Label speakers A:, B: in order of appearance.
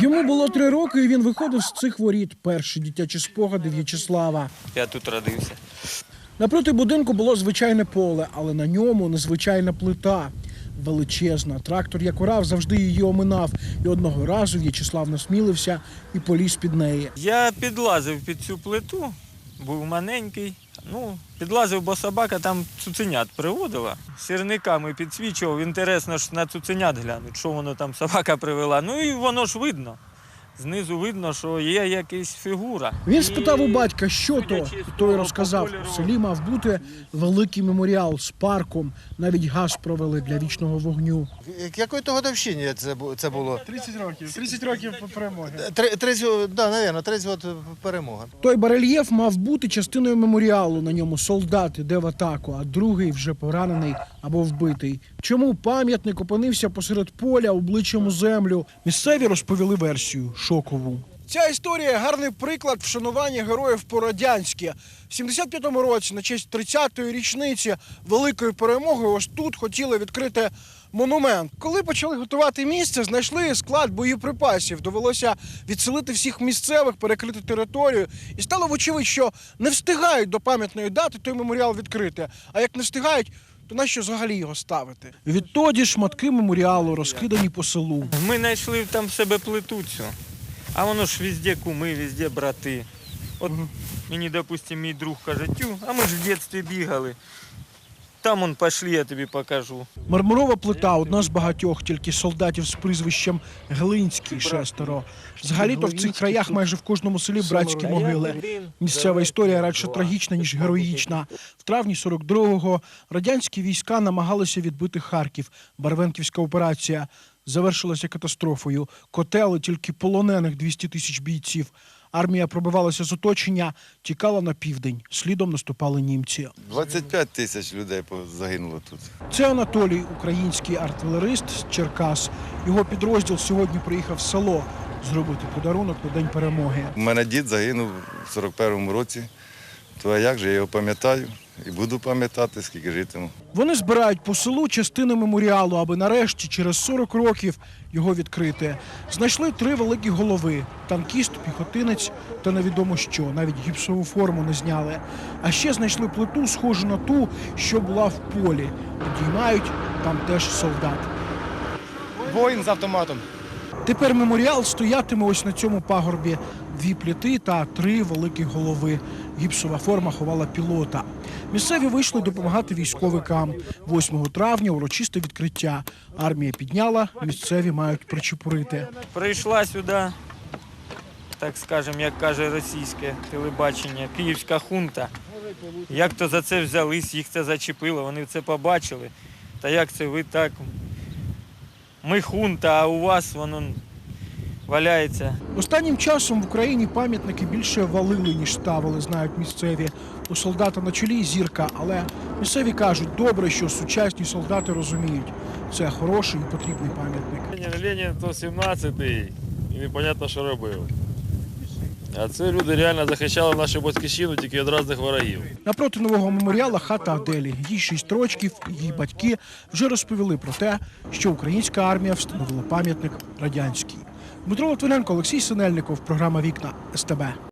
A: Йому було 3 роки, і він виходив з цих воріт. Перші дитячі спогади В'ячеслава.
B: Я тут родився.
A: Напроти будинку було звичайне поле, але на ньому незвичайна плита. Величезна. Трактор, як орав, завжди її оминав. І одного разу В'ячеслав насмілився і поліз під неї.
B: Я підлазив під цю плиту, був маленький. Підлазив, бо собака там цуценят приводила. Сірниками підсвічував, інтересно ж на цуценят глянуть, що воно там собака привела. І воно ж видно. Знизу видно, що є якась фігура.
A: Він спитав у батька, що то, і той розказав. У селі мав бути великий меморіал з парком. Навіть газ провели для вічного вогню.
C: Якої-то годовщині це було?
A: 30 років. 30 років перемоги.
C: 30 років перемоги.
A: Той барельєф мав бути частиною меморіалу. На ньому солдат іде в атаку, а другий вже поранений або вбитий. Чому пам'ятник опинився посеред поля обличчям у землю? Місцеві розповіли версію шокову. Ця історія – гарний приклад вшанування героїв по-радянськи. В 75-му році, на честь 30-ї річниці Великої перемоги, ось тут хотіли відкрити монумент. Коли почали готувати місце, знайшли склад боєприпасів. Довелося відселити всіх місцевих, перекрити територію. І стало вочевидь, що не встигають до пам'ятної дати той меморіал відкрити. А як не встигають, то нащо взагалі його ставити? Відтоді шматки меморіалу розкидані по селу.
B: Ми знайшли там в себе плиту цю. А воно ж везде куми, везде брати. От мені, допустим, мій друг каже, а ми ж в дитинстві бігали. Там пішли, я тобі покажу.
A: Мармурова плита – одна з багатьох, тільки солдатів з прізвищем Глинський 6. Взагалі-то в цих краях майже в кожному селі братські могили. Місцева історія радше трагічна, ніж героїчна. В травні 42-го радянські війська намагалися відбити Харків. Барвенківська операція завершилася катастрофою. Котели тільки полонених 200 тисяч бійців. Армія пробивалася з оточення, тікала на південь. Слідом наступали німці.
D: 25 тисяч людей загинуло тут.
A: Це Анатолій, український артилерист з Черкас. Його підрозділ сьогодні приїхав в село зробити подарунок на День перемоги.
D: У мене дід загинув в 41-му році. То а як же, я його пам'ятаю і буду пам'ятати, скільки житиму.
A: Вони збирають по селу частини меморіалу, аби нарешті через 40 років його відкрити. Знайшли 3 великі голови – танкіст, піхотинець та невідомо що. Навіть гіпсову форму не зняли. А ще знайшли плиту, схожу на ту, що була в полі. Підіймають, там теж солдат.
C: Воїн з автоматом.
A: Тепер меморіал стоятиме ось на цьому пагорбі. 2 плити та 3 великі голови. Гіпсова форма ховала пілота. Місцеві вийшли допомагати військовикам. 8 травня урочисте відкриття. Армія підняла, місцеві мають причепурити.
B: Прийшла сюди, так скажемо, як каже російське телебачення, київська хунта. Як то за це взялись, їх це зачепило, вони це побачили. Та як це ви так? Ми хунта, а у вас воно валяється.
A: Останнім часом в Україні пам'ятники більше валили, ніж ставили, знають місцеві. У солдата на чолі зірка, але місцеві кажуть, добре, що сучасні солдати розуміють. Це хороший і потрібний пам'ятник.
E: Ленін то 17-й, і непонятно, що робив. А це люди реально захищали нашу батьківщину тільки від різних ворогів.
A: Напроти нового меморіала хата Аделі. Їй 6 років, її батьки вже розповіли про те, що українська армія встановила пам'ятник радянський. Дмитро Литвиненко, Олексій Синельников, програма «Вікна» СТБ.